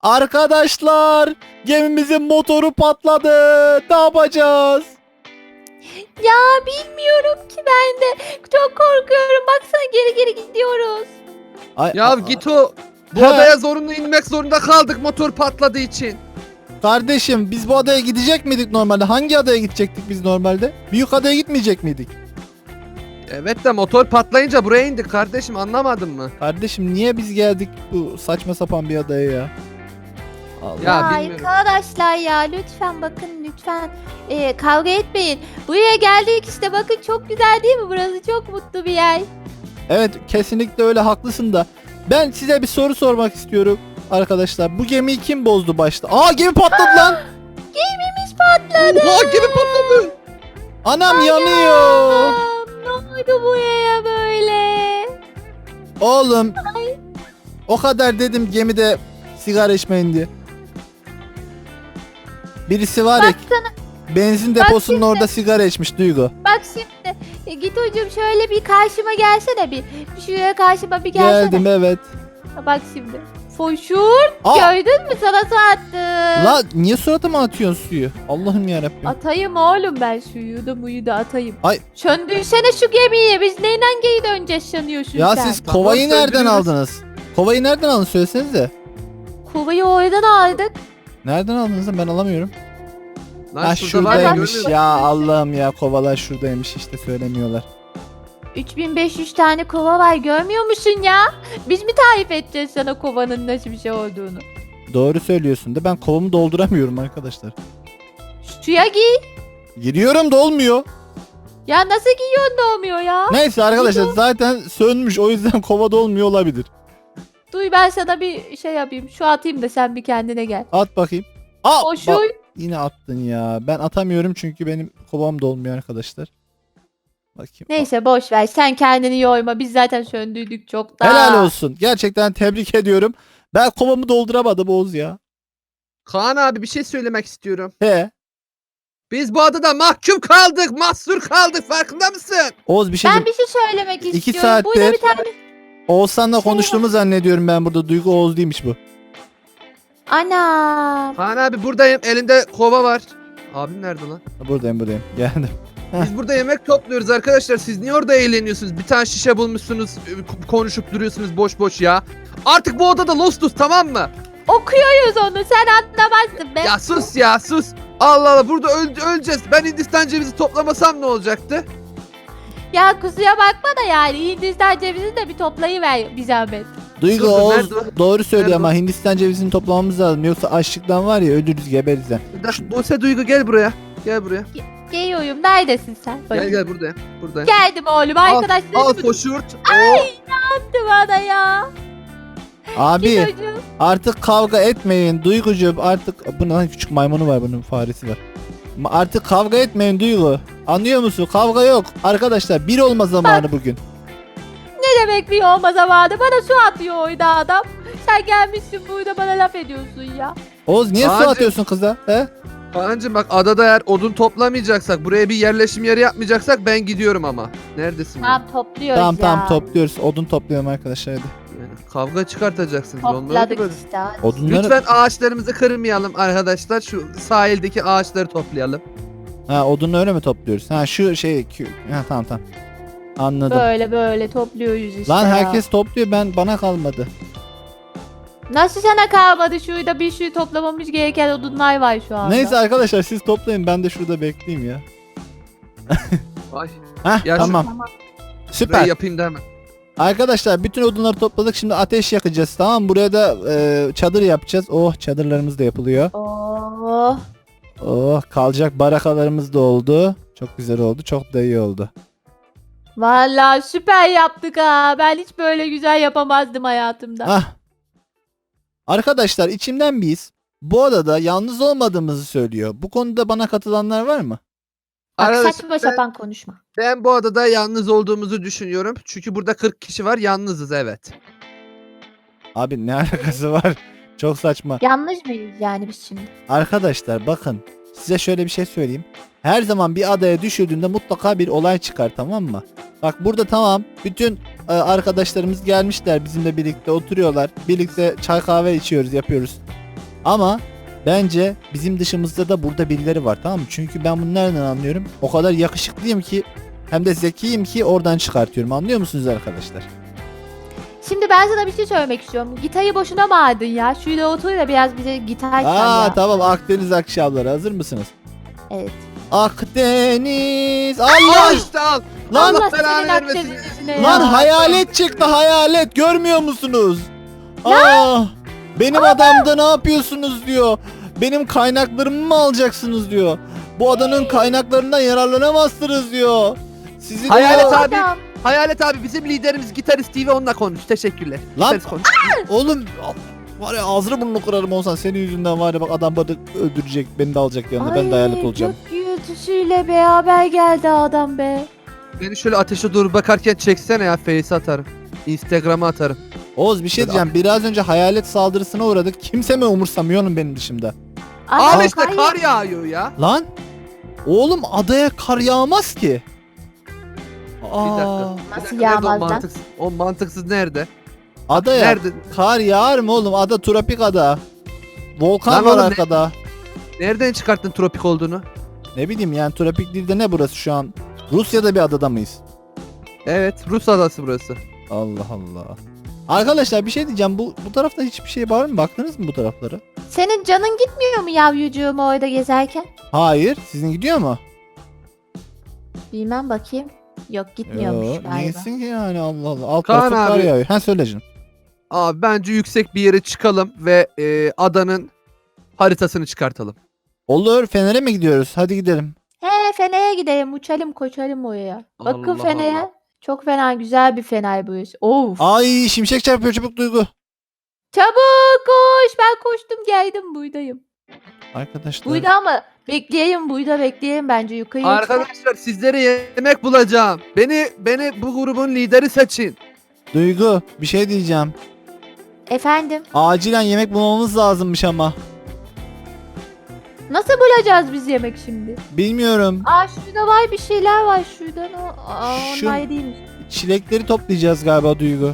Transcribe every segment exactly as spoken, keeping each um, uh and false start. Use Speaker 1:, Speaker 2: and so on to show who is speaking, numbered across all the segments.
Speaker 1: Arkadaşlar, gemimizin motoru patladı. Ne yapacağız?
Speaker 2: Ya bilmiyorum ki ben de. Çok korkuyorum. Baksana geri geri gidiyoruz.
Speaker 1: Ay,
Speaker 3: Ya
Speaker 1: a-
Speaker 3: git o. Bu
Speaker 1: He.
Speaker 3: adaya zorunlu inmek zorunda kaldık motor patladığı için.
Speaker 1: Kardeşim, biz bu adaya gidecek miydik normalde? Hangi adaya gidecektik biz normalde? Büyük adaya gitmeyecek miydik?
Speaker 3: Evet de motor patlayınca buraya indik kardeşim, anlamadın mı?
Speaker 1: Kardeşim, niye biz geldik bu saçma sapan bir adaya ya? Allah.
Speaker 3: Ya
Speaker 2: Ya
Speaker 3: bilmiyorum.
Speaker 2: arkadaşlar ya lütfen bakın lütfen Ee, kavga etmeyin. Buraya geldik işte bakın çok güzel değil mi? Burası çok mutlu bir yer.
Speaker 1: Evet, kesinlikle öyle, haklısın da. Ben size bir soru sormak istiyorum arkadaşlar. Bu gemiyi kim bozdu başta? Aa, gemi patladı lan.
Speaker 2: Gemimiz patladı.
Speaker 3: Oha, gemi patladı.
Speaker 1: Anam yanıyor.
Speaker 2: Aa, ne oldu buraya böyle?
Speaker 1: Oğlum. O kadar dedim gemide sigara içmeyin diye. Birisi var ya,
Speaker 2: Baksana
Speaker 1: benzin
Speaker 2: Bak
Speaker 1: deposunun
Speaker 2: şimdi.
Speaker 1: orada sigara içmiş Duygu.
Speaker 2: bak şimdi. E, git hocam şöyle bir karşıma gelsene bir. Şuraya karşıma bir gelsene.
Speaker 1: Geldim, evet.
Speaker 2: Bak şimdi. Foşur.
Speaker 1: Aa!
Speaker 2: Gördün mü sana attım.
Speaker 1: La niye suratıma atıyorsun suyu? Allah'ım yarabbim.
Speaker 2: Atayım oğlum ben suyu da muyu da atayım.
Speaker 1: Ay.
Speaker 2: Söndürsene şu gemiyi. Biz neyle geri döneceğiz sanıyorsun
Speaker 1: Ya
Speaker 2: sen?
Speaker 1: siz
Speaker 3: Tamam,
Speaker 1: kovayı nereden
Speaker 3: söndürürüz.
Speaker 1: aldınız? Kovayı nereden aldınız, söylesenize.
Speaker 2: Kovayı oradan aldık.
Speaker 1: Nereden aldınız lan, ben alamıyorum.
Speaker 3: Lan
Speaker 1: Ha,
Speaker 3: şurada var ya,
Speaker 1: şuradaymış
Speaker 3: görmüyor
Speaker 1: ya, Allah'ım ya, kovalar şuradaymış işte, söylemiyorlar.
Speaker 2: üç bin beş yüz tane kova var görmüyor musun ya? Biz mi tarif edeceğiz sana kovanın nasıl bir şey olduğunu?
Speaker 1: Doğru söylüyorsun da ben kovamı dolduramıyorum arkadaşlar.
Speaker 2: Suya giy.
Speaker 1: Giriyorum da olmuyor.
Speaker 2: Ya nasıl giyiyorsun da olmuyor ya?
Speaker 1: Neyse arkadaşlar,
Speaker 2: Gidiyor.
Speaker 1: zaten sönmüş, o yüzden kova dolmuyor olabilir.
Speaker 2: Duy ben sana bir şey yapayım. Şu atayım da sen bir kendine gel.
Speaker 1: At bakayım. Aa,
Speaker 2: O şu.
Speaker 1: bak, yine attın ya. Ben atamıyorum çünkü benim kovam dolmuyor arkadaşlar. Bakayım.
Speaker 2: Neyse boş ver. Sen kendini yorma. Biz zaten söndürdük çoktan.
Speaker 1: Helal olsun. Gerçekten tebrik ediyorum. Ben kovamı dolduramadım Oğuz ya.
Speaker 3: Kaan abi, bir şey söylemek istiyorum.
Speaker 1: He.
Speaker 3: Biz bu adada mahkum kaldık, mahsur kaldık, farkında mısın?
Speaker 1: Oğuz, bir şey
Speaker 2: Ben
Speaker 1: diyeyim.
Speaker 2: bir şey söylemek
Speaker 1: İki
Speaker 2: istiyorum. Burada
Speaker 1: saattir-
Speaker 2: bir tane...
Speaker 1: Oğuzhan'la
Speaker 2: şey
Speaker 1: konuştuğumu zannediyorum ben burada. Duygu Oğuz değilmiş bu.
Speaker 2: Ana.
Speaker 3: Kaan abi buradayım, elinde kova var. Abim nerede lan?
Speaker 1: Buradayım buradayım. Geldim.
Speaker 3: Biz burada yemek topluyoruz arkadaşlar. Siz niye orada eğleniyorsunuz? Bir tane şişe bulmuşsunuz, e, konuşup duruyorsunuz boş boş ya. Artık bu odada lostuz, tamam mı?
Speaker 2: Okuyoruz onu. Sen anlamazsın be.
Speaker 3: Ya sus ya, sus. Allah Allah, burada öl- öleceğiz. Ben Hindistan cevizi toplamasam ne olacaktı?
Speaker 2: Ya kusuya bakma da yani. Hindistan cevizini de bir toplayıver bir zahmet.
Speaker 1: Duygu
Speaker 3: Dur, dur,
Speaker 1: Oğuz
Speaker 3: nerede o?
Speaker 1: doğru söylüyor
Speaker 3: Nerede
Speaker 1: ama Hindistan cevizini toplamamız lazım. Yoksa açlıktan var ya, ölürüz, geberiz yani.
Speaker 3: Bir dakika, Buse Duygu gel buraya. Gel buraya.
Speaker 2: Geliyorum. Neredesin sen?
Speaker 3: Gel
Speaker 2: Bakayım.
Speaker 3: gel buradayım. Buradayım.
Speaker 2: Geldim oğlum.
Speaker 3: Al,
Speaker 2: Arkadaşlarım
Speaker 3: al
Speaker 2: mı
Speaker 3: poşurt.
Speaker 2: tuttu bana ya?
Speaker 1: Abi
Speaker 2: Git hocam.
Speaker 1: artık kavga etmeyin Duygucuğum, artık bunun lan küçük maymunu var, bunun faresi var. Ma- Artık kavga etmeyin Duygu. Anlıyor musun? Kavga yok. Arkadaşlar, bir olma zamanı bugün.
Speaker 2: Ne demek bir olma zamanı? Bana su atıyor oyda adam. Sen gelmişsin burada bana laf ediyorsun ya.
Speaker 1: Oğuz, niye su
Speaker 3: Ağacım.
Speaker 1: atıyorsun kıza? He?
Speaker 3: Kaan'cığım bak, adada eğer odun toplamayacaksak, buraya bir yerleşim yeri yapmayacaksak ben gidiyorum ama. Neredesin? ya?
Speaker 2: Tamam topluyoruz
Speaker 1: Tamam
Speaker 2: ya.
Speaker 1: tamam, topluyoruz. Odun topluyorum arkadaşlar, hadi.
Speaker 3: Yani kavga çıkartacaksınız. Olmaz ki
Speaker 2: Topladık
Speaker 3: böyle.
Speaker 2: işte. hadi.
Speaker 1: Odunları...
Speaker 3: Lütfen ağaçlarımızı kırmayalım arkadaşlar. Şu sahildeki ağaçları toplayalım.
Speaker 1: Ha, odunu öyle mi topluyoruz? Ha, şu şey... kü- Ha, tamam tamam. Anladım.
Speaker 2: Böyle böyle topluyoruz işte
Speaker 1: Lan
Speaker 2: ya.
Speaker 1: herkes topluyor, ben bana kalmadı.
Speaker 2: Nasıl sana kalmadı? Şurada bir sürü toplamamız gereken odunlar var şu anda.
Speaker 1: Neyse arkadaşlar, siz toplayın, ben de şurada bekleyeyim ya.
Speaker 3: Ay,
Speaker 1: Heh,
Speaker 3: Ya şu-
Speaker 1: tamam.
Speaker 2: Tamam.
Speaker 1: Süper.
Speaker 3: burayı yapayım da hemen.
Speaker 1: Arkadaşlar, bütün odunları topladık, şimdi ateş yakacağız, tamam mı? Buraya da e, çadır yapacağız. Oh, çadırlarımız da yapılıyor.
Speaker 2: Oh.
Speaker 1: Oh, kalacak barakalarımız da oldu. Çok güzel oldu, çok da iyi oldu.
Speaker 2: Vallahi süper yaptık ha. Ben hiç böyle güzel yapamazdım hayatımda.
Speaker 1: Ah. Arkadaşlar, içimden biz bu odada yalnız olmadığımızı söylüyor. Bu konuda bana katılanlar var mı?
Speaker 2: Bak
Speaker 3: Arkadaşlar,
Speaker 2: saçma
Speaker 3: ben-
Speaker 2: sapan konuşma.
Speaker 3: Ben bu adada yalnız olduğumuzu düşünüyorum. Çünkü burada kırk kişi var, yalnızız, evet.
Speaker 1: Abi ne alakası var? Çok saçma.
Speaker 2: Yanlış mıyız yani biz şimdi?
Speaker 1: Arkadaşlar bakın, size şöyle bir şey söyleyeyim. Her zaman bir adaya düşürdüğünde mutlaka bir olay çıkar, tamam mı? Bak burada tamam, bütün e, arkadaşlarımız gelmişler, bizimle birlikte oturuyorlar. Birlikte çay kahve içiyoruz, yapıyoruz. Ama bence bizim dışımızda da burada birileri var, tamam mı? Çünkü ben bunu nereden anlıyorum? O kadar yakışıklıyım ki hem de zekiyim ki oradan çıkartıyorum. Anlıyor musunuz arkadaşlar?
Speaker 2: Şimdi ben sana bir şey söylemek istiyorum. Gitarı boşuna mı aldın ya? Şurada otur da biraz bize gitar çal
Speaker 1: Aa
Speaker 2: ya.
Speaker 1: tamam, Akdeniz akşamları hazır mısınız?
Speaker 2: Evet.
Speaker 1: Akdeniz.
Speaker 3: Al
Speaker 1: Allah!
Speaker 3: işte al.
Speaker 1: Lan,
Speaker 2: Allah
Speaker 3: belanı
Speaker 2: senin
Speaker 3: vermesin.
Speaker 2: Akdeniz'ine ya.
Speaker 1: lan hayalet çıktı, hayalet. Görmüyor musunuz? Aa, benim adamda ne yapıyorsunuz diyor. Benim kaynaklarımı mı alacaksınız diyor. Bu adanın kaynaklarından yararlanamazsınız diyor. Sizin
Speaker 3: Hayalet
Speaker 1: o-
Speaker 3: abi.
Speaker 2: Adam.
Speaker 3: Hayalet abi bizim liderimiz gitarist Steve, onunla konuş. Teşekkürler.
Speaker 1: Lan-
Speaker 3: Gitarist konuş.
Speaker 1: Oğlum var ya, ağzını burnunu kırarım olsan, senin yüzünden var ya, bak adam beni öldürecek, beni de alacak yanına, ben de hayalet olacağım.
Speaker 2: Gök gürültüsüyle beraber geldi adam be.
Speaker 3: Beni şöyle ateşe doğru bakarken çeksene ya, face atarım. Instagram'a atarım.
Speaker 1: Oğuz bir şey diyeceğim, biraz önce hayalet saldırısına uğradık, kimse mi umursamıyor oğlum benim dışımda?
Speaker 2: Adam
Speaker 3: Abi işte
Speaker 2: hayır.
Speaker 3: kar yağıyor ya.
Speaker 1: Lan oğlum adaya kar yağmaz ki.
Speaker 3: Bir dakika.
Speaker 1: Aa,
Speaker 3: Bir
Speaker 2: Nasıl
Speaker 3: dakika, nerede o
Speaker 2: yağmaz lan?
Speaker 3: mantıksız? O mantıksız nerede?
Speaker 1: adaya
Speaker 3: Nerede?
Speaker 1: kar yağar mı oğlum? Ada tropik ada. Volkan
Speaker 3: Lan
Speaker 1: var
Speaker 3: oğlum ne-
Speaker 1: arkada.
Speaker 3: Nereden çıkarttın tropik olduğunu?
Speaker 1: Ne bileyim yani, tropik değil de ne burası şu an? Rusya'da bir adada mıyız?
Speaker 3: Evet, Rus adası burası.
Speaker 1: Allah Allah. Arkadaşlar bir şey diyeceğim. Bu bu tarafta hiçbir şey var mı? Baktınız mı bu taraflara?
Speaker 2: Senin canın gitmiyor mu yavrucuğum orada gezerken?
Speaker 1: Hayır. Sizin gidiyor mu?
Speaker 2: Bilmem bakayım. Yok gitmiyormuş
Speaker 1: Yo,
Speaker 2: galiba.
Speaker 1: niyesin ki yani, Allah Allah. Alt
Speaker 3: Kaan
Speaker 1: tarafı kar
Speaker 3: abi.
Speaker 1: yağıyor. Ha söyle canım.
Speaker 3: Abi bence yüksek bir yere çıkalım ve e, adanın haritasını çıkartalım.
Speaker 1: Olur. Fener'e mi gidiyoruz? Hadi gidelim.
Speaker 2: He Fener'e gidelim uçalım koşalım oraya. Bakın
Speaker 3: Allah
Speaker 2: Fener'e.
Speaker 3: Allah.
Speaker 2: Çok fena güzel bir Fener bu iş. Of.
Speaker 1: Ay şimşek çarpıyor, çabuk Duygu.
Speaker 2: Çabuk koş. Ben koştum geldim buydayım.
Speaker 1: Arkadaşlar.
Speaker 2: Buyda ama bekleyeyim buyda bekleyeyim bence yukarıya çıkar.
Speaker 3: Arkadaşlar sizlere yemek bulacağım. Beni beni bu grubun lideri seçin.
Speaker 1: Duygu bir şey diyeceğim.
Speaker 2: Efendim
Speaker 1: Acilen yemek bulmamız lazımmış ama.
Speaker 2: nasıl bulacağız biz yemek şimdi?
Speaker 1: Bilmiyorum.
Speaker 2: Aa şurada var bir şeyler var şuradan o. Aa
Speaker 1: Şu-
Speaker 2: onlar değilmiş.
Speaker 1: Çilekleri toplayacağız galiba Duygu.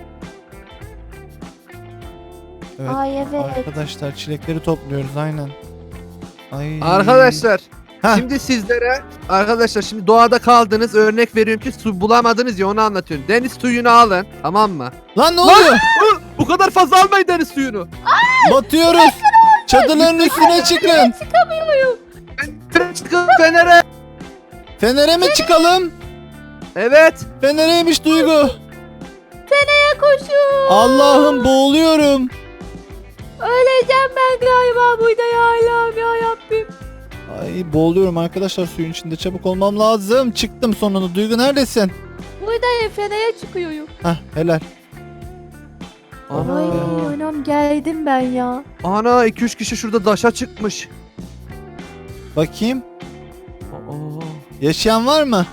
Speaker 1: Evet.
Speaker 2: Ay evet.
Speaker 1: Arkadaşlar çilekleri topluyoruz aynen. Ay.
Speaker 3: Arkadaşlar
Speaker 1: Heh.
Speaker 3: şimdi sizlere arkadaşlar şimdi doğada kaldınız, örnek veriyorum ki su bulamadınız ya, onu anlatıyorum. Deniz suyunu alın, tamam mı?
Speaker 1: Lan ne oluyor?
Speaker 3: Hı, bu kadar fazla almayın deniz suyunu.
Speaker 1: Batıyoruz. Çadırların üstüne çıkın.
Speaker 3: Fener'e çıkın Fener'e.
Speaker 1: Fener'e mi çıkalım?
Speaker 3: Evet.
Speaker 1: Fener'eymiş Duygu.
Speaker 2: Fener'e koşun.
Speaker 1: Allah'ım boğuluyorum.
Speaker 2: Öleceğim ben galiba buyda ya Allah'ım ya Rabbim.
Speaker 1: Ay boğuluyorum arkadaşlar, suyun içinde, çabuk olmam lazım. Çıktım sonunda. Duygu neredesin?
Speaker 2: Buydayım Fener'e çıkıyorum.
Speaker 1: Hah helal.
Speaker 3: Ana.
Speaker 2: Ay anam geldim ben ya.
Speaker 3: Ana iki üç kişi şurada daşa çıkmış.
Speaker 1: Bakayım.
Speaker 3: Aa.
Speaker 1: Yaşayan var mı?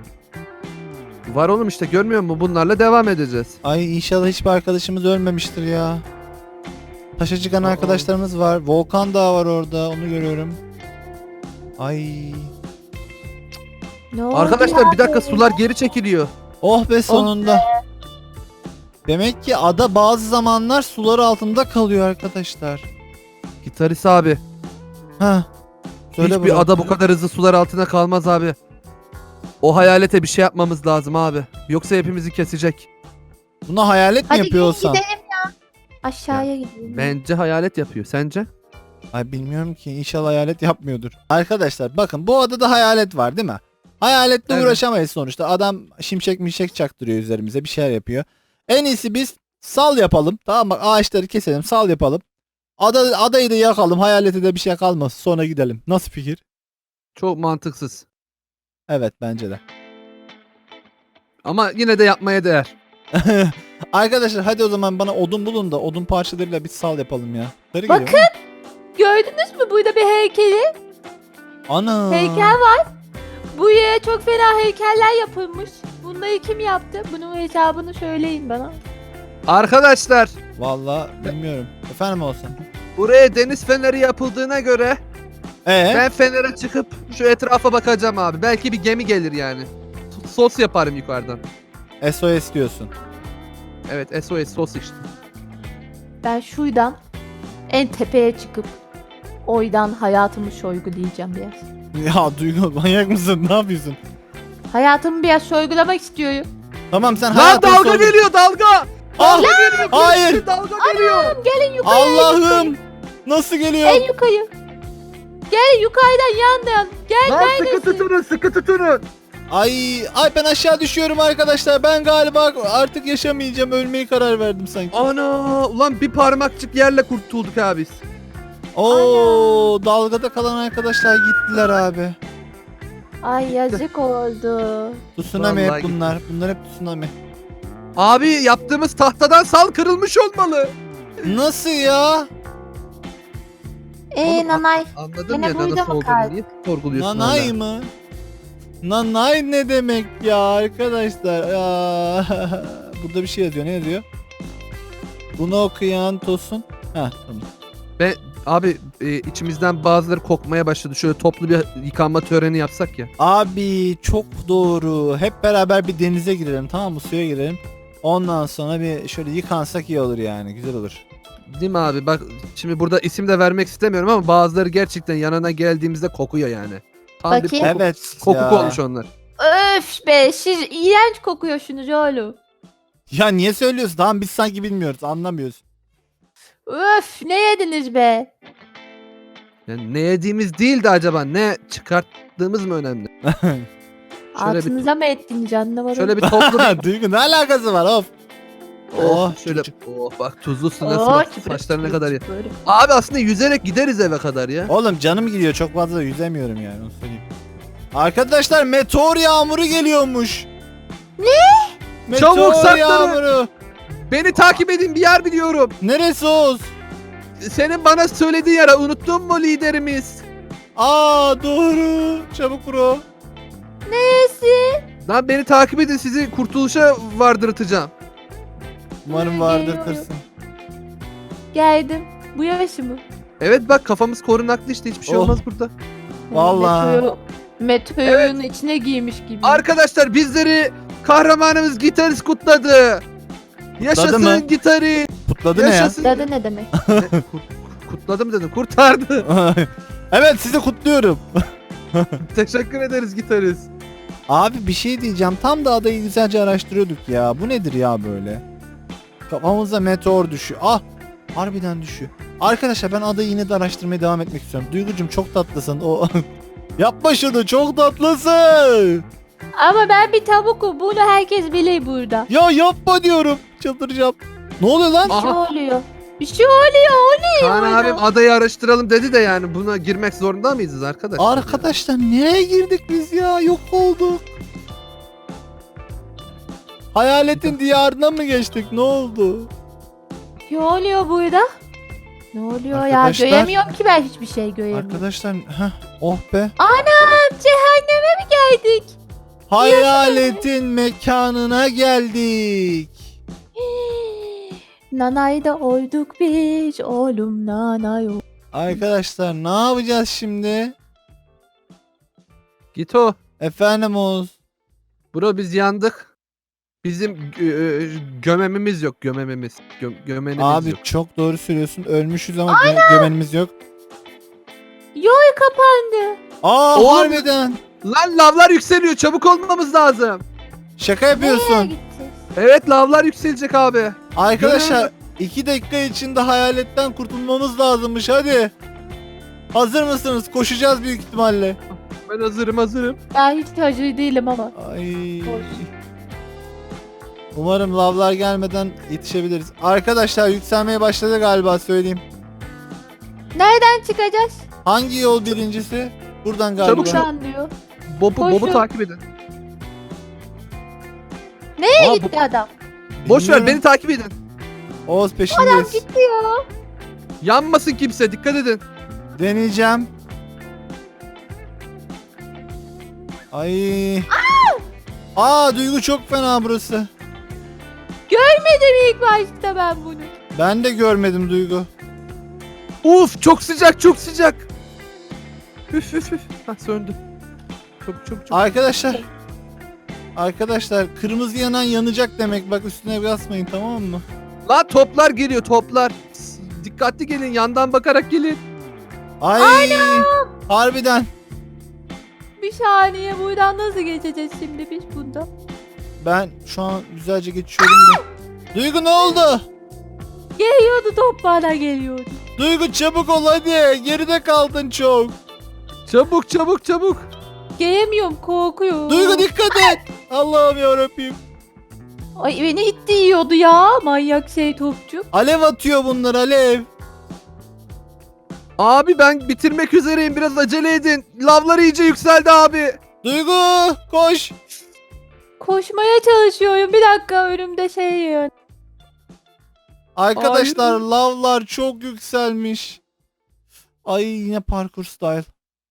Speaker 3: Var oğlum işte, görmüyor musun? Bunlarla devam edeceğiz.
Speaker 1: Ay inşallah hiçbir arkadaşımız ölmemiştir ya. Taşa çıkan
Speaker 3: Aa.
Speaker 1: arkadaşlarımız var. Volkan Dağı var orada. Onu görüyorum. Ay.
Speaker 2: Ne oldu
Speaker 3: Arkadaşlar
Speaker 2: ya
Speaker 3: bir dakika,
Speaker 2: böyle?
Speaker 3: sular geri çekiliyor.
Speaker 1: Oh be sonunda. Demek ki ada bazı zamanlar sular altında kalıyor arkadaşlar.
Speaker 3: Gitarist abi.
Speaker 1: Ha. Söyle
Speaker 3: Hiçbir
Speaker 1: bro.
Speaker 3: ada bu kadar hızlı sular altında kalmaz abi. O hayalete bir şey yapmamız lazım abi. Yoksa hepimizi kesecek.
Speaker 1: Buna hayalet mi
Speaker 2: Hadi
Speaker 1: yapıyor
Speaker 2: gelin
Speaker 1: olsam?
Speaker 2: gidelim ya. Aşağıya gidelim.
Speaker 3: Bence hayalet yapıyor. Sence?
Speaker 1: Ay bilmiyorum ki, inşallah hayalet yapmıyordur. Arkadaşlar bakın, bu adada hayalet var değil mi? Hayaletle
Speaker 3: Evet.
Speaker 1: uğraşamayız sonuçta. Adam şimşek mişek çaktırıyor üzerimize, bir şeyler yapıyor. En iyisi biz sal yapalım. Tamam bak, ağaçları keselim, sal yapalım. Ada, adayı da yakalım, hayalete de bir şey kalmasın, sonra gidelim. Nasıl fikir?
Speaker 3: Çok mantıksız.
Speaker 1: Evet bence de.
Speaker 3: Ama yine de yapmaya değer.
Speaker 1: Arkadaşlar hadi o zaman bana odun bulun da odun parçalarıyla bir sal yapalım ya. Sarı
Speaker 2: Bakın.
Speaker 1: geliyor ama.
Speaker 2: Gördünüz mü burada bir heykeli?
Speaker 1: Ana.
Speaker 2: Heykel var. Bu yere çok fena heykeller yapılmış. Bunları kim yaptı? Bunun hesabını söyleyin bana.
Speaker 3: Arkadaşlar
Speaker 1: Vallahi bilmiyorum. Efendim olsun.
Speaker 3: buraya deniz feneri yapıldığına göre
Speaker 1: Ee?
Speaker 3: ben fenere çıkıp şu etrafa bakacağım abi. Belki bir gemi gelir yani. S- Sos yaparım yukarıdan.
Speaker 1: S O S diyorsun.
Speaker 3: Evet, S O S sos işte.
Speaker 2: Ben şuradan En tepeye çıkıp oydan hayatımı sorgulayacağım biraz.
Speaker 1: Ya Duygu manyak mısın? Ne yapıyorsun?
Speaker 2: Hayatımı biraz sorgulamak istiyorum.
Speaker 1: Tamam sen
Speaker 3: Lan
Speaker 1: hayatını
Speaker 3: dalga
Speaker 1: sor-
Speaker 3: geliyor dalga.
Speaker 1: Ah,
Speaker 3: Dalga geliyor.
Speaker 1: hayır.
Speaker 3: Dalga geliyor.
Speaker 2: Gelin yukarı.
Speaker 1: Allah'ım. Nasıl geliyor?
Speaker 2: En yukarı. Gel yukarıdan yandan. Gel
Speaker 3: Lan sıkı
Speaker 2: neredesin?
Speaker 3: tutunun sıkı tutunun.
Speaker 1: Ay, ay ben aşağı düşüyorum arkadaşlar. Ben galiba artık yaşamayacağım. Ölmeyi karar verdim sanki.
Speaker 3: Ana ulan bir parmakçık yerle kurtulduk abi biz.
Speaker 1: Oo, dalgada kalan arkadaşlar gittiler abi.
Speaker 2: Ay yazık oldu.
Speaker 1: Tsunami
Speaker 3: Vallahi
Speaker 1: hep bunlar. Bunlar hep tsunami.
Speaker 3: Abi yaptığımız tahtadan sal kırılmış olmalı.
Speaker 1: Nasıl ya?
Speaker 2: Eee
Speaker 3: Oğlum,
Speaker 2: nanay.
Speaker 3: Anladın
Speaker 2: Yine
Speaker 3: ya
Speaker 2: burada
Speaker 3: nasıl
Speaker 2: mı
Speaker 3: olduğunu.
Speaker 2: kaldık?
Speaker 3: Niye sorguluyorsun
Speaker 1: Nanay
Speaker 3: hala?
Speaker 1: mı? Nanay ne demek ya arkadaşlar? Ya. Burada bir şey yazıyor. Ne yazıyor? Bunu okuyan Tosun. Ha tamam.
Speaker 3: Ben abi e, içimizden bazıları kokmaya başladı. Şöyle toplu bir yıkanma töreni yapsak ya.
Speaker 1: Abi çok doğru. Hep beraber bir denize girelim, tamam mı? Suya girelim. Ondan sonra bir şöyle yıkansak iyi olur yani. Güzel olur.
Speaker 3: Değil mi abi? Bak şimdi burada isim de vermek istemiyorum ama bazıları gerçekten yanına geldiğimizde kokuyor yani. Tam bir
Speaker 2: Bakayım.
Speaker 3: koku,
Speaker 1: Evet
Speaker 3: kokuk
Speaker 1: ya.
Speaker 3: olmuş onlar.
Speaker 2: Öf be siz iğrenç kokuyorsunuz oğlum.
Speaker 1: Ya niye söylüyorsun? Tamam biz sanki bilmiyoruz, anlamıyoruz.
Speaker 2: Öf ne yediniz be?
Speaker 3: Yani ne yediğimiz değil de acaba ne çıkarttığımız mı önemli? Şöyle bir,
Speaker 2: Altınıza mı ettiniz anlamadım.
Speaker 3: şöyle bir toplu bir...
Speaker 1: Duygu ne alakası var of?
Speaker 3: Oh,
Speaker 1: Oh,
Speaker 3: şöyle
Speaker 1: çık-
Speaker 3: oh bak tuzlu su nasıl
Speaker 2: Oo,
Speaker 3: bak
Speaker 2: çıpır
Speaker 3: saçları ne
Speaker 2: çıpır
Speaker 3: kadar ya.
Speaker 2: çıpır.
Speaker 3: Abi aslında yüzerek gideriz eve kadar ya.
Speaker 1: Oğlum canım gidiyor, çok fazla yüzemiyorum yani, onu söyleyeyim. Arkadaşlar meteor yağmuru geliyormuş. Ne? Meteor
Speaker 3: Çabuk saklanın.
Speaker 1: yağmuru.
Speaker 3: Beni takip edin bir yer biliyorum.
Speaker 1: Neresi Oğuz?
Speaker 3: Senin bana söylediğin yere unuttun mu liderimiz?
Speaker 1: Aa doğru. Çabuk bro.
Speaker 2: Nesi?
Speaker 3: Lan beni takip edin sizi kurtuluşa vardırtacağım.
Speaker 1: Umarım
Speaker 2: Ha,
Speaker 1: vardırtırsın.
Speaker 2: Geldim. Bu yaşı mı?
Speaker 3: Evet bak kafamız korunaklı işte hiçbir şey
Speaker 1: Oh.
Speaker 3: olmaz burada.
Speaker 1: Vallahi.
Speaker 2: Meteor, meteorun içine giymiş gibi.
Speaker 3: Arkadaşlar bizleri kahramanımız Gitarist kutladı. Yaşasın
Speaker 1: mı?
Speaker 3: Gitarist.
Speaker 1: Kutladı ne ya?
Speaker 3: Yaşasın.
Speaker 2: Dadı ne demek?
Speaker 3: Kut- Kutladım dedim kurtardı.
Speaker 1: Evet sizi kutluyorum.
Speaker 3: Teşekkür ederiz Gitarist.
Speaker 1: Abi bir şey diyeceğim. Tam da adayı güzelce araştırıyorduk ya. Bu nedir ya böyle? Kafamıza meteor düşüyor. Ah! Harbiden düşüyor. Arkadaşlar ben adayı yine de araştırmaya devam etmek istiyorum. Duygucum çok tatlısın. O yapma şunu, çok tatlısın.
Speaker 2: Ama ben bir tavukum. Bunu herkes bilir burada.
Speaker 1: Ya yapma diyorum. Çıldıracağım. Ne oluyor lan?
Speaker 2: Bir şey
Speaker 3: Aha.
Speaker 2: oluyor. Bir şey oluyor. O ne?
Speaker 3: Kaan
Speaker 2: orada?
Speaker 3: abim adayı araştıralım dedi de yani buna girmek zorunda mıyız arkadaşlar?
Speaker 1: Arkadaşlar nereye girdik biz ya? Yok olduk. Hayaletin diyarına mı geçtik? Ne oldu?
Speaker 2: Ne oluyor burada? Ne oluyor
Speaker 1: Arkadaşlar-
Speaker 2: ya? Göremiyorum ki ben hiçbir şey göremiyorum.
Speaker 1: Arkadaşlar heh, oh be.
Speaker 2: Anam cehenneme mi geldik?
Speaker 1: Hayaletin mekanına geldik.
Speaker 2: Nanay'da olduk biz oğlum nanay ol-
Speaker 1: Arkadaşlar ne yapacağız şimdi?
Speaker 3: Git o.
Speaker 1: Efendim Oğuz.
Speaker 3: Bro biz yandık. Bizim gö- e, gömemimiz yok gömemimiz. Gö- gömenimiz
Speaker 1: Abi
Speaker 3: yok.
Speaker 1: çok doğru söylüyorsun. Ölmüşüz ama gö- gömenimiz yok.
Speaker 2: Yol kapandı.
Speaker 1: Aa
Speaker 3: Oğlum.
Speaker 1: harbiden.
Speaker 3: Lan lavlar yükseliyor çabuk olmamız lazım.
Speaker 1: Şaka
Speaker 2: Nereye
Speaker 1: yapıyorsun.
Speaker 2: gideceğiz?
Speaker 3: Evet lavlar yükselecek abi.
Speaker 1: Arkadaşlar iki dakika içinde hayaletten kurtulmamız lazımmış, hadi. Hazır mısınız? Koşacağız büyük ihtimalle.
Speaker 3: Ben hazırım hazırım.
Speaker 2: Ben hiç hazır değilim ama.
Speaker 1: Ay.
Speaker 2: Koş.
Speaker 1: Umarım lavlar gelmeden yetişebiliriz. Arkadaşlar yükselmeye başladı galiba, söyleyeyim.
Speaker 2: Nereden çıkacağız?
Speaker 1: Hangi yol birincisi? Buradan galiba.
Speaker 3: Çabuk şu-
Speaker 2: Buradan diyor.
Speaker 3: Bobu,
Speaker 2: Koşun.
Speaker 3: Bob'u takip edin.
Speaker 2: Nereye
Speaker 3: Aa,
Speaker 2: gitti adam?
Speaker 3: Boş ver
Speaker 1: Bilmiyorum.
Speaker 3: beni takip edin.
Speaker 1: Oğuz
Speaker 2: Adam
Speaker 1: peşindeyiz.
Speaker 2: gitti ya.
Speaker 3: Yanmasın kimse dikkat edin.
Speaker 1: Deneyeceğim. Ay. Aa Duygu çok fena burası.
Speaker 2: Görmedim ilk başta ben bunu.
Speaker 1: Ben de görmedim Duygu.
Speaker 3: Uf çok sıcak çok sıcak. Üf üf üf. Hah söndü. Çok çok çok.
Speaker 1: Arkadaşlar. Arkadaşlar kırmızı yanan yanacak demek. Bak üstüne basmayın, tamam mı?
Speaker 3: Lan toplar geliyor toplar. S- Dikkatli gelin, yandan bakarak gelin.
Speaker 1: Ay. Harbiden.
Speaker 2: Bir saniye, buradan nasıl geçeceğiz şimdi biz bunda?
Speaker 1: Ben şu an güzelce geçiyorum da. Duygu ne oldu?
Speaker 2: Geliyordu, top bana geliyordu.
Speaker 1: Duygu çabuk ol hadi. Geride kaldın çok.
Speaker 3: Çabuk çabuk çabuk.
Speaker 2: Gelemiyorum, korkuyorum.
Speaker 1: Duygu dikkat et. Allah'ım yarabbim.
Speaker 2: Ay beni itti yiyordu ya, manyak şey topçu.
Speaker 1: Alev atıyor bunlar alev.
Speaker 3: Abi ben bitirmek üzereyim, biraz acele edin. Lavlar iyice yükseldi abi.
Speaker 1: Duygu koş.
Speaker 2: Koşmaya çalışıyorum, bir dakika önümde şey yiyor.
Speaker 1: Arkadaşlar
Speaker 3: Hayır.
Speaker 1: lavlar çok yükselmiş. Ay yine parkur style.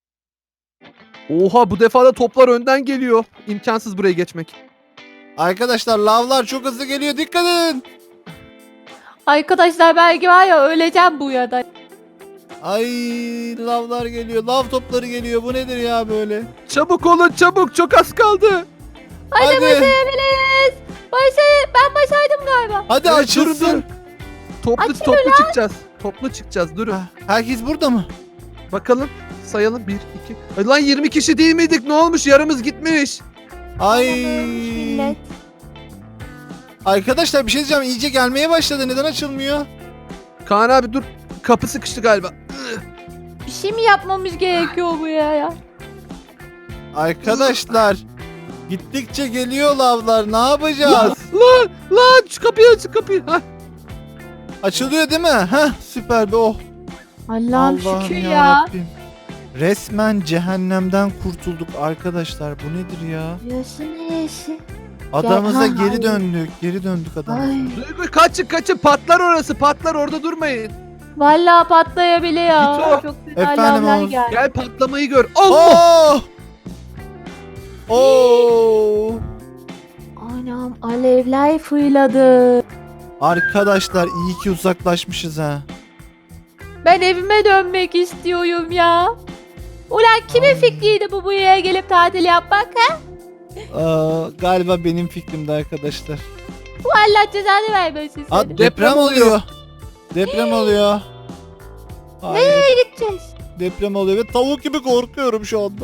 Speaker 3: Oha, bu defa da toplar önden geliyor. İmkansız buraya geçmek.
Speaker 1: Arkadaşlar lavlar çok hızlı geliyor dikkat edin.
Speaker 2: Arkadaşlar belki var ya, öleceğim bu ya da.
Speaker 1: Ay lavlar geliyor. Lav topları geliyor. Bu nedir ya böyle?
Speaker 3: Çabuk olun çabuk, çok az kaldı.
Speaker 2: Hadi,
Speaker 1: Hadi.
Speaker 2: başarabiliriz. Başar ben başardım galiba.
Speaker 1: Hadi
Speaker 3: Evet,
Speaker 1: açılsın.
Speaker 3: durun, durun. Toplu
Speaker 2: Açılın
Speaker 3: toplu çıkacağız. Toplu çıkacağız, durun.
Speaker 1: Ha, Herkes burada mı?
Speaker 3: Bakalım sayalım, bir iki. Ay lan, yirmi kişi değil miydik, ne olmuş, yarımız gitmiş.
Speaker 1: Ay.
Speaker 2: Millet.
Speaker 1: Arkadaşlar bir şey diyeceğim. İyice gelmeye başladı. Neden açılmıyor?
Speaker 3: Kaan abi dur, kapı sıkıştı galiba.
Speaker 2: Bir şey mi yapmamız gerekiyor buraya ya?
Speaker 1: Arkadaşlar gittikçe geliyor lavlar. Ne yapacağız?
Speaker 3: Lan lan, şu kapıyı aç, şu kapıyı. Hah.
Speaker 1: Açılıyor değil mi? Heh süper be oh.
Speaker 2: Allah'ım şükür ya.
Speaker 1: yarabbim. Resmen cehennemden kurtulduk arkadaşlar. Bu nedir ya?
Speaker 2: Burası neresi?
Speaker 1: Adamıza
Speaker 2: Ha,
Speaker 1: geri
Speaker 2: ay.
Speaker 1: döndük. Geri döndük adamıza.
Speaker 2: Ay.
Speaker 3: Duygu kaçın kaçın, patlar orası, patlar, orada durmayın.
Speaker 2: Vallahi patlayabiliyor.
Speaker 3: Git o.
Speaker 2: Çok güzel
Speaker 1: Efendim
Speaker 2: lavlar
Speaker 1: Oğuz.
Speaker 2: geldi.
Speaker 3: Gel patlamayı gör. Allah!
Speaker 1: Oh! Oh!
Speaker 2: Anam alevler fırladı.
Speaker 1: Arkadaşlar iyi ki uzaklaşmışız ha.
Speaker 2: Ben evime dönmek istiyorum ya. Ulan kimin
Speaker 1: Ay.
Speaker 2: fikriydi bu buraya gelip tatil yapmak ha?
Speaker 1: Aa, galiba benim fikrimdi arkadaşlar.
Speaker 2: Bu Allah cezanı vermesin
Speaker 1: Aa,
Speaker 2: seni.
Speaker 1: deprem,
Speaker 3: Deprem
Speaker 1: oluyor.
Speaker 3: oluyor.
Speaker 1: Deprem oluyor. Hayır,
Speaker 2: Nereye gideceğiz?
Speaker 1: deprem oluyor ve tavuk gibi korkuyorum şu anda.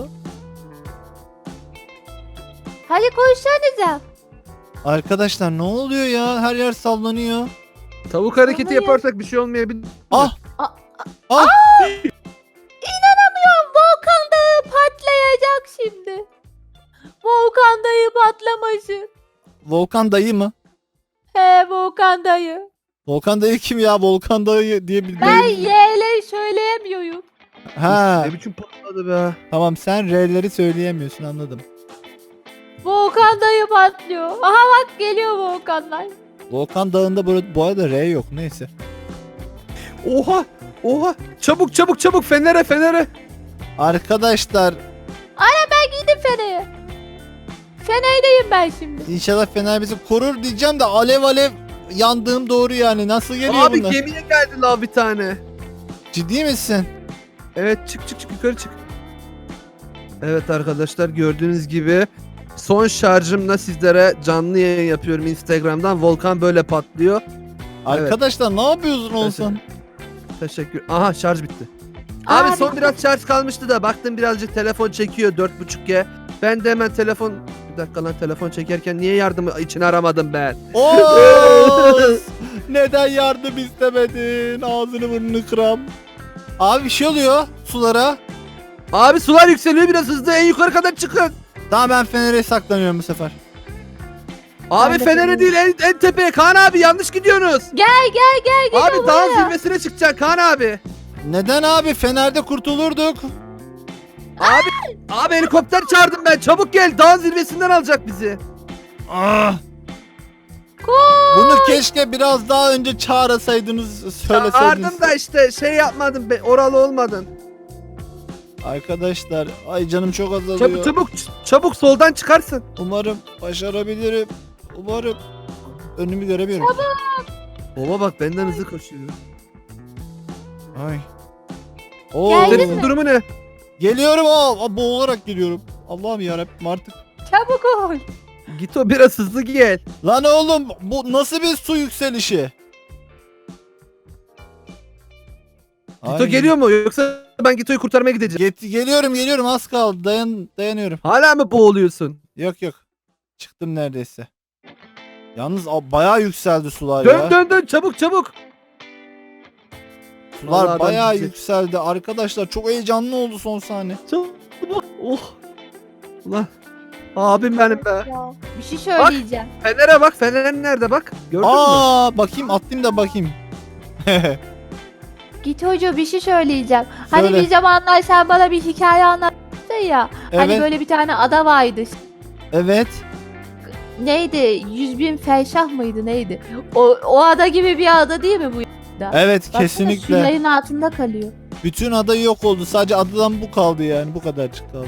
Speaker 2: Hadi koşsanıza.
Speaker 1: Arkadaşlar ne oluyor ya? Her yer sallanıyor.
Speaker 3: Tavuk hareketi
Speaker 2: Vallahi.
Speaker 3: yaparsak bir şey olmayabilir.
Speaker 1: Ah!
Speaker 2: Aa,
Speaker 1: Ah!
Speaker 2: İnanamıyorum, volkan dağı patlayacak şimdi. Volkan dağı patlaması.
Speaker 1: Volkan dayı mı?
Speaker 2: He, volkan dağı.
Speaker 1: Volkan dayı kim ya? Volkan dayı diye bir
Speaker 2: Ben Y'leri söyleyemiyorum.
Speaker 1: Ha,
Speaker 3: Ne biçim patladı be.
Speaker 1: tamam sen R'leri söyleyemiyorsun anladım.
Speaker 2: Volkan dağı patlıyor. Aha bak, geliyor volkanlar.
Speaker 1: Volkan dağında bu, bu arada R yok neyse.
Speaker 3: Oha! Oha! Çabuk çabuk çabuk, fenere fenere.
Speaker 1: Arkadaşlar
Speaker 2: Ben gidip Fener'e. Fener'deyim ben şimdi.
Speaker 1: inşallah Fener bizi korur diyeceğim de alev alev yandığım doğru yani. Nasıl geliyor
Speaker 3: Abi
Speaker 1: bunlar?
Speaker 3: gemiye geldi lav bir tane.
Speaker 1: Ciddi misin?
Speaker 3: Evet, çık çık çık, yukarı çık. Evet arkadaşlar, gördüğünüz gibi son şarjımla sizlere canlı yayın yapıyorum Instagram'dan. Volkan böyle patlıyor.
Speaker 1: Arkadaşlar ne yapıyorsun olsan?
Speaker 3: Teşekkür. Aha, şarj bitti. Abi,
Speaker 2: Abi.
Speaker 3: son biraz şarj kalmıştı da baktım birazcık telefon çekiyor dört buçuk G. Ben de hemen telefon... Bir dakika lan, telefon çekerken niye yardım için aramadım ben?
Speaker 1: Oğuz! Neden yardım istemedin? Ağzını burnunu kıram. Abi bir şey oluyor sulara.
Speaker 3: Abi sular yükseliyor, biraz hızlı, en yukarı kadar çıkın.
Speaker 1: Tamam ben Fener'e saklanıyorum bu sefer.
Speaker 3: Abi
Speaker 2: Ben de
Speaker 3: Fener'e değil, en, en tepeye. Kaan abi, yanlış gidiyorsunuz.
Speaker 2: Gel gel gel gel
Speaker 3: Abi dağın zirvesine çıkacak Kaan abi.
Speaker 1: Neden abi? Fener'de kurtulurduk.
Speaker 3: Abi abi helikopter çağırdım ben, çabuk gel, dağın zirvesinden alacak bizi.
Speaker 1: Ah! Bunu keşke biraz daha önce çağırsaydınız, söyleseydiniz.
Speaker 3: Çağırdım da işte şey yapmadım, be, oralı olmadın.
Speaker 1: Arkadaşlar ay canım çok azalıyor.
Speaker 3: Çabuk çabuk çabuk soldan çıkarsın.
Speaker 1: Umarım başarabilirim. Umarım. Önümü göremiyorum.
Speaker 3: Baba bak, benden hızlı koşuyor.
Speaker 1: Ay. Oo.
Speaker 2: Geldin
Speaker 3: Senin
Speaker 2: mi?
Speaker 3: durumu ne?
Speaker 1: Geliyorum aa, aa, boğularak geliyorum. Allah'ım yarabbim artık.
Speaker 2: Çabuk ol.
Speaker 3: Git o, biraz hızlı gel.
Speaker 1: Lan oğlum bu nasıl bir su yükselişi?
Speaker 3: Gito
Speaker 1: Ay.
Speaker 3: geliyor mu yoksa ben Gito'yu kurtarmaya gideceğim.
Speaker 1: Get- geliyorum geliyorum az kaldı. Dayan dayanıyorum.
Speaker 3: Hala mı boğuluyorsun?
Speaker 1: Yok yok. Çıktım neredeyse. Yalnız a- bayağı yükseldi sular
Speaker 3: Dön
Speaker 1: ya.
Speaker 3: dön dön çabuk çabuk.
Speaker 1: Sular
Speaker 3: Vallahi adam
Speaker 1: bayağı
Speaker 3: bizi-
Speaker 1: yükseldi. Arkadaşlar çok heyecanlı oldu son sahne.
Speaker 3: Çabuk. Oh. Ulan. Abim benim be.
Speaker 2: Ya, bir şey söyleyeceğim.
Speaker 3: Fener'e bak. Fener nerede bak. Gördün mü?
Speaker 1: Aa bakayım atlayayım da bakayım.
Speaker 2: Git hoca bir şey söyleyeceğim. Hani
Speaker 1: Söyle.
Speaker 2: bir zamanlar sen bana bir hikaye anlattın ya. Hani
Speaker 1: Evet.
Speaker 2: böyle bir tane ada vardı.
Speaker 1: Evet.
Speaker 2: Neydi? Yüz bin felşah mıydı neydi? O, o ada gibi bir ada değil mi bu?
Speaker 1: Evet
Speaker 2: Baksana,
Speaker 1: kesinlikle.
Speaker 2: Suyların altında kalıyor.
Speaker 1: Bütün ada yok oldu. Sadece adadan bu kaldı yani. Bu kadarcık kaldı.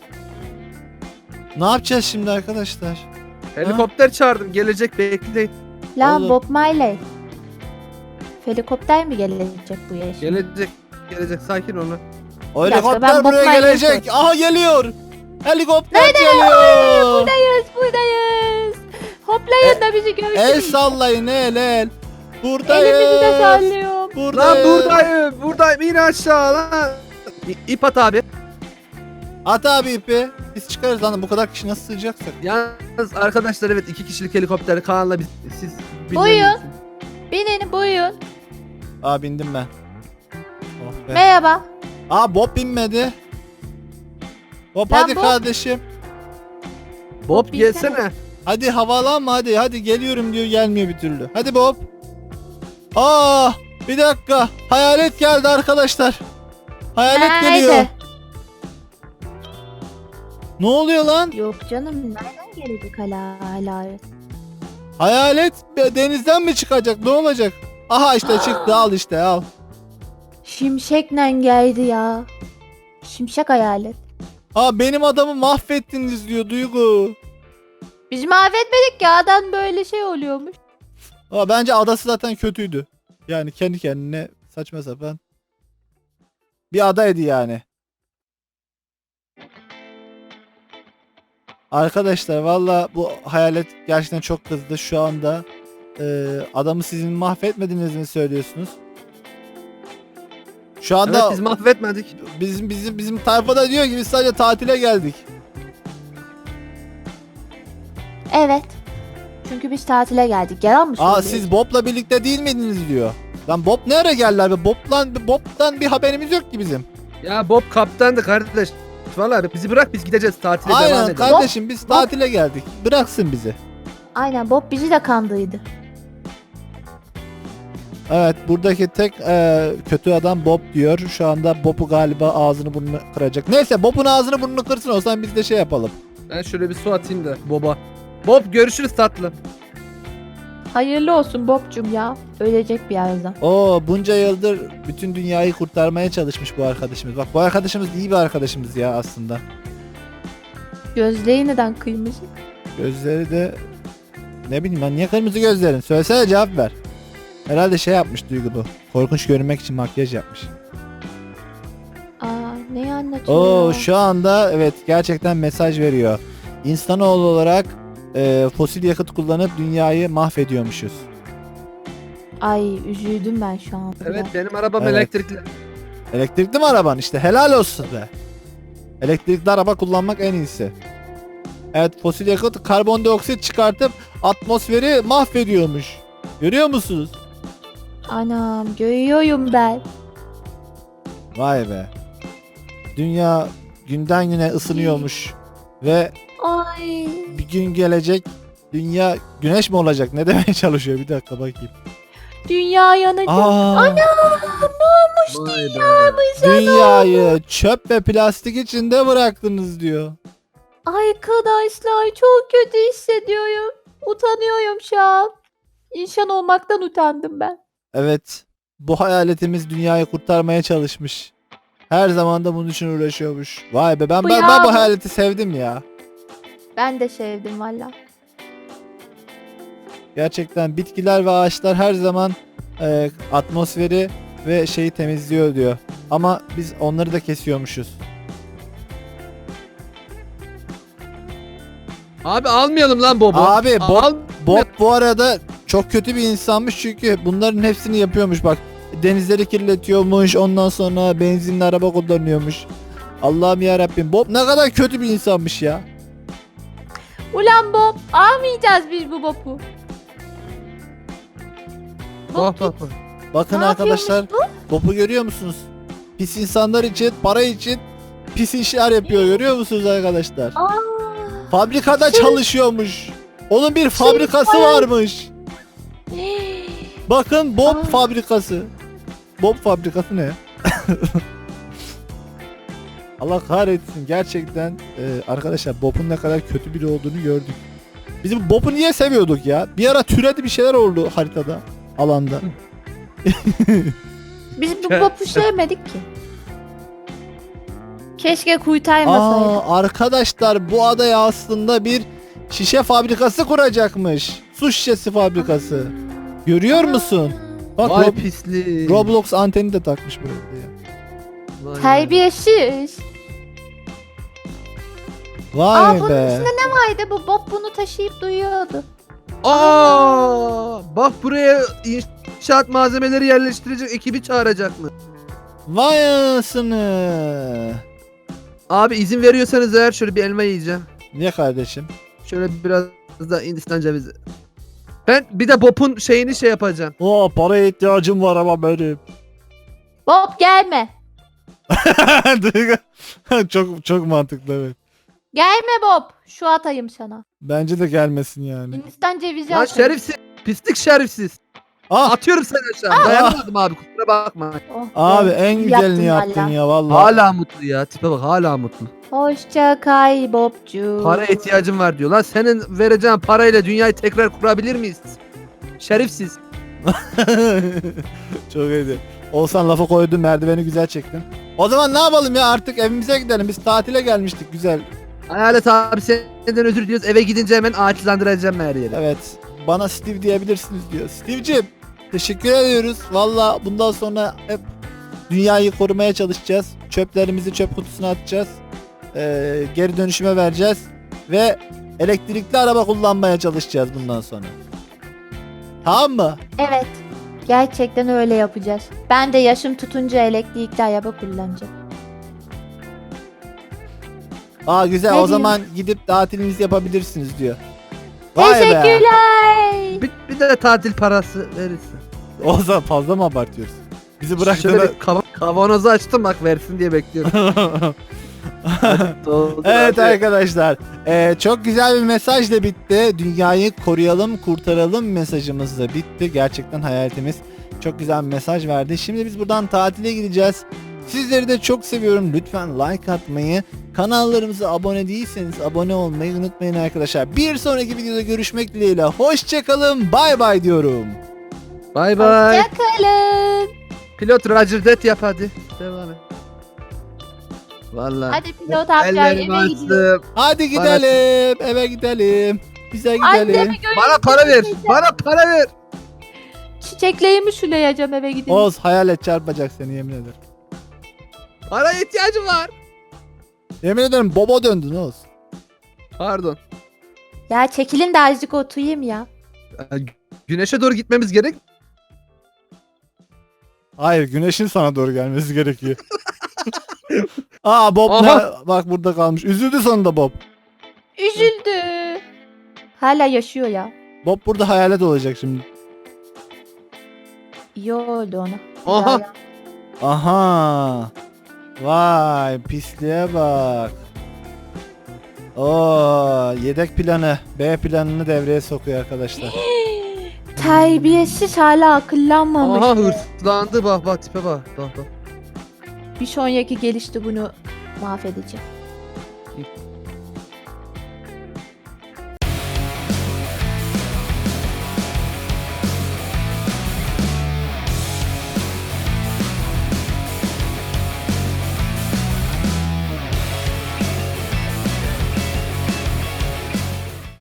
Speaker 1: Ne yapacağız şimdi arkadaşlar?
Speaker 3: Helikopter çağırdım. Gelecek bekleyin.
Speaker 2: Lan
Speaker 1: Oğlum.
Speaker 2: Bob Marley. Helikopter mi gelecek bu yaşa?
Speaker 3: Gelecek. Gelecek. Sakin olun.
Speaker 1: O
Speaker 2: Bir dakika,
Speaker 1: helikopter
Speaker 2: ben
Speaker 1: buraya
Speaker 2: Bob Marley'e
Speaker 1: gelecek.
Speaker 2: sor-
Speaker 1: Aha geliyor. Helikopter geliyor.
Speaker 2: Buradayız buradayız. Hoplayın da bizi görsün.
Speaker 1: El sallayın el el. Buradayız.
Speaker 2: Elimizi de sallıyorum.
Speaker 3: Lan
Speaker 1: Buradayız.
Speaker 3: buradayım. Buradayım. İn aşağı lan. İ- İp at abi.
Speaker 1: At abi ipi. Biz çıkarız lan. Bu kadar kişi nasıl sığacaksak.
Speaker 3: Yalnız arkadaşlar evet iki kişilik helikopter Kaan'la biz siz
Speaker 2: Buyurun.
Speaker 3: bilmiyorsunuz.
Speaker 2: Binin buyurun.
Speaker 1: Aa bindim ben. Oh be.
Speaker 2: Merhaba.
Speaker 1: Aa Bob binmedi. Bob
Speaker 2: Lan
Speaker 1: hadi
Speaker 2: Bob.
Speaker 1: kardeşim.
Speaker 3: Bob
Speaker 2: binsene.
Speaker 3: gelsene.
Speaker 1: Hadi havalanma hadi. Hadi geliyorum diyor gelmiyor bir türlü. Hadi Bob. Aa bir dakika. Hayalet geldi arkadaşlar. Hayalet
Speaker 2: Nerede?
Speaker 1: geliyor. Ne oluyor lan?
Speaker 2: Yok canım nereden gelecek hala hala?
Speaker 1: Hayalet denizden mi çıkacak? Ne olacak? Aha işte çıktı al işte al.
Speaker 2: Şimşekle geldi ya. Şimşek hayalet.
Speaker 1: Aa benim adamı mahvettiniz diyor Duygu.
Speaker 2: Biz mahvetmedik ya adam böyle şey oluyormuş.
Speaker 1: Aa bence adası zaten kötüydü. Yani kendi kendine saçma sapan. Bir adaydı yani. Arkadaşlar valla bu hayalet gerçekten çok kızdı şu anda. Ee, adamı sizin mahvetmediğinizi mi söylüyorsunuz? Şu anda
Speaker 3: Evet biz mahvetmedik.
Speaker 1: bizim bizim bizim tayfada diyor ki biz sadece tatile geldik.
Speaker 2: Evet. Çünkü biz tatile geldik. Yalan mı
Speaker 1: Aa
Speaker 2: söylüyorsun?
Speaker 1: siz Bob'la birlikte değil miydiniz diyor. Lan Bob ne ara geldi abi? Bob'lan Bob'tan bir haberimiz yok ki bizim.
Speaker 3: Ya Bob kaptandı kardeş. Vallahi bizi bırak biz gideceğiz tatile devam
Speaker 1: Aynen
Speaker 3: edelim.
Speaker 1: kardeşim biz tatile geldik. Bıraksın bizi.
Speaker 2: Aynen Bob bizi de kandıydı.
Speaker 1: Evet buradaki tek e, kötü adam Bob diyor. Şu anda Bob'u galiba ağzını burnunu kıracak. Neyse Bob'un ağzını burnunu kırsın o zaman biz de şey yapalım.
Speaker 3: Ben şöyle bir su atayım da Bob'a. Bob görüşürüz tatlım.
Speaker 2: Hayırlı olsun Bob'cum ya. Ölecek birazdan.
Speaker 1: Oo bunca yıldır bütün dünyayı kurtarmaya çalışmış bu arkadaşımız. Bak bu arkadaşımız iyi bir arkadaşımız ya aslında.
Speaker 2: Gözleği neden kıymış?
Speaker 1: Gözleri de ne bileyim ben niye kırmızı gözlerin? Söylesene cevap ver. Herhalde şey yapmış Duygu bu. Korkunç görünmek için makyaj yapmış.
Speaker 2: Aa neyi anlatıyor
Speaker 1: Oo
Speaker 2: ya?
Speaker 1: şu anda evet gerçekten mesaj veriyor. İnsanoğlu olarak e, fosil yakıt kullanıp dünyayı mahvediyormuşuz.
Speaker 2: Ay üzüldüm ben şu an.
Speaker 3: Evet benim arabam
Speaker 1: Evet.
Speaker 3: elektrikli.
Speaker 1: Elektrikli mi araban işte helal olsun be. Elektrikli araba kullanmak en iyisi. Evet fosil yakıt karbondioksit çıkartıp atmosferi mahvediyormuş. Görüyor musunuz?
Speaker 2: Anam görüyorum ben.
Speaker 1: Vay be. Dünya günden güne ısınıyormuş. Ve
Speaker 2: Ay.
Speaker 1: bir gün gelecek dünya güneş mi olacak? Ne demeye çalışıyor? Bir dakika bakayım.
Speaker 2: Dünya yanacak.
Speaker 1: Aa,
Speaker 2: Anam ne olmuş
Speaker 3: Vay be.
Speaker 2: dünyamıza?
Speaker 1: dünyayı çöp ve plastik içinde bıraktınız diyor.
Speaker 2: Arkadaşlar çok kötü hissediyorum. Utanıyorum şu an. İnsan olmaktan utandım ben.
Speaker 1: Evet. Bu hayaletimiz dünyayı kurtarmaya çalışmış. Her zaman da bunun için uğraşıyormuş. Vay be ben
Speaker 2: Bu
Speaker 1: ben,
Speaker 2: ya
Speaker 1: ben bu
Speaker 2: bu-
Speaker 1: hayaleti sevdim ya.
Speaker 2: Ben de sevdim valla.
Speaker 1: Gerçekten bitkiler ve ağaçlar her zaman e, atmosferi ve şeyi temizliyor diyor. Ama biz onları da kesiyormuşuz.
Speaker 3: Abi almayalım lan Bob'u.
Speaker 1: Abi, Bob-
Speaker 3: Al-
Speaker 1: Bob bu arada çok kötü bir insanmış çünkü bunların hepsini yapıyormuş bak. denizleri kirletiyormuş. Ondan sonra benzinli araba kullanıyormuş. Allah'ım ya Rabbim. Bob ne kadar kötü bir insanmış ya.
Speaker 2: Ulan Bob, almayacağız biz bu Bob'u.
Speaker 3: Bak bak bak.
Speaker 1: Bakın
Speaker 2: Ne
Speaker 1: arkadaşlar,
Speaker 2: yapıyormuş
Speaker 1: Bob'u görüyor musunuz? Pis insanlar için, para için pis işler yapıyor, görüyor musunuz arkadaşlar?
Speaker 2: Aa,
Speaker 1: Fabrikada
Speaker 2: Şey-
Speaker 1: çalışıyormuş. Onun bir fabrikası
Speaker 2: para-
Speaker 1: varmış. Bakın Bob
Speaker 2: Aa.
Speaker 1: fabrikası. Bob fabrikası ne? Allah kahretsin, gerçekten e, arkadaşlar Bob'un ne kadar kötü biri olduğunu gördük. Biz bu Bob'u niye seviyorduk ya? Bir ara türedi bir şeyler oldu haritada, alanda.
Speaker 2: Biz bu Bob'u sevmedik ki. Keşke kuytaymasaydı.
Speaker 1: Aa, arkadaşlar bu adaya aslında bir şişe fabrikası kuracakmış. Su şişesi fabrikası. Görüyor musun? Bak
Speaker 3: Vay
Speaker 1: Rob-
Speaker 3: pislik.
Speaker 1: Roblox anteni de takmış buraya.
Speaker 3: Vay be.
Speaker 2: Terbiyesiz.
Speaker 1: Vay
Speaker 2: Aa, bunun
Speaker 1: be.
Speaker 2: içinde ne vardı? Bu Bob bunu taşıyıp duyuyordu.
Speaker 3: Aa, bak buraya inşaat malzemeleri yerleştirecek ekibi çağıracak mı?
Speaker 1: Vay anasını.
Speaker 3: Abi izin veriyorsanız eğer şöyle bir elma yiyeceğim.
Speaker 1: Niye kardeşim?
Speaker 3: Şöyle biraz da Hindistan cevizi. Ben bir de Bob'un şeyini şey yapacağım.
Speaker 1: Oo, paraya ihtiyacım var ama benim.
Speaker 2: Bob gelme.
Speaker 1: çok çok mantıklı, evet.
Speaker 2: Gelme Bob. Şu atayım sana.
Speaker 1: Bence de gelmesin yani.
Speaker 2: Hindistan cevizi
Speaker 3: Lan
Speaker 2: atayım.
Speaker 3: şerifsiz. Pislik şerifsiz.
Speaker 1: Ah
Speaker 3: Atıyorum seni aşağı. Dayanamadım abi kusura bakma.
Speaker 2: Oh,
Speaker 1: abi
Speaker 2: be.
Speaker 1: en
Speaker 2: İyi
Speaker 1: güzelini yaptın
Speaker 2: valla.
Speaker 1: ya vallahi.
Speaker 3: Hala mutlu ya. Tipe bak hala mutlu.
Speaker 2: Hoşça kal Bobcu.
Speaker 3: Para ihtiyacım var diyor. Lan senin vereceğin parayla dünyayı tekrar kurabilir miyiz? Şerifsiz.
Speaker 1: Çok iyiydi. Olsan lafa koydun, merdiveni güzel çektin. O zaman ne yapalım ya, artık evimize gidelim. Biz tatile gelmiştik, güzel.
Speaker 3: Hayalet abi senden özür diliyoruz. Eve gidince hemen ağaçlandıracağım her yeri.
Speaker 1: Evet. Bana Steve diyebilirsiniz diyor. Steve'cim teşekkür ediyoruz. Valla bundan sonra hep dünyayı korumaya çalışacağız. Çöplerimizi çöp kutusuna atacağız. Ee, geri dönüşüme vereceğiz. Ve elektrikli araba kullanmaya çalışacağız bundan sonra. Tamam mı?
Speaker 2: Evet. Gerçekten öyle yapacağız. Ben de yaşım tutunca elektrikli araba kullanacağım.
Speaker 1: Aa güzel,
Speaker 2: Ne
Speaker 1: o
Speaker 2: diyeyim?
Speaker 1: zaman gidip tatilinizi yapabilirsiniz diyor. Vay be.
Speaker 2: Teşekkürler.
Speaker 3: Bir, bir de tatil parası verirsin.
Speaker 1: O zaman fazla mı abartıyoruz? Bizi
Speaker 3: Şöyle
Speaker 1: bıraktığında...
Speaker 3: bir kav- kavanozu açtım bak versin diye bekliyorum. Doldur
Speaker 1: Evet
Speaker 3: abi.
Speaker 1: arkadaşlar, eee, çok güzel bir mesaj da bitti. Dünyayı koruyalım, kurtaralım mesajımız da bitti. Gerçekten hayaletimiz çok güzel bir mesaj verdi. Şimdi biz buradan tatile gideceğiz. Sizleri de çok seviyorum. Lütfen like atmayı, kanallarımıza abone değilseniz abone olmayı unutmayın arkadaşlar. Bir sonraki videoda görüşmek dileğiyle. Hoşçakalın, bay bay diyorum.
Speaker 3: Bay bay.
Speaker 2: Hoşçakalın.
Speaker 3: Pilot Roger Det yap hadi. Devam et. Vallahi.
Speaker 2: Hadi pilot amca
Speaker 3: Ellerimi
Speaker 2: eve gidiyor.
Speaker 3: açtım.
Speaker 1: Hadi gidelim, eve gidelim. Bize gidelim.
Speaker 2: Annemi görüp
Speaker 3: Bana para ver. Bana para ver.
Speaker 2: çiçeklerimi sulayacağım eve gidince.
Speaker 1: Oğuz hayalet çarpacak seni, yemin ederim.
Speaker 3: Para ihtiyacım var.
Speaker 1: Yemin ederim bobo döndün Oğuz.
Speaker 3: Pardon.
Speaker 2: Ya çekilin de azıcık oturayım ya.
Speaker 3: Ee, Güneşe doğru gitmemiz gerek.
Speaker 1: Hayır, güneşin sana doğru gelmesi gerekiyor. Aa Bob
Speaker 3: Aha.
Speaker 1: ne? Bak burada kalmış. Üzüldü sonunda Bob.
Speaker 2: Üzüldü. Hala yaşıyor ya.
Speaker 1: Bob burada hayalet olacak şimdi.
Speaker 2: İyi oldu ona.
Speaker 3: Aha.
Speaker 2: Ya,
Speaker 1: Aha. Vay pisliğe bak. Oo, yedek planı, B planını devreye sokuyor arkadaşlar.
Speaker 2: terbiyesiz hala akıllanmamış.
Speaker 3: Aha hırslandı bak bak tipe bak. Bak bak.
Speaker 2: Bir sonraki gelişte bunu mahvedeceğim.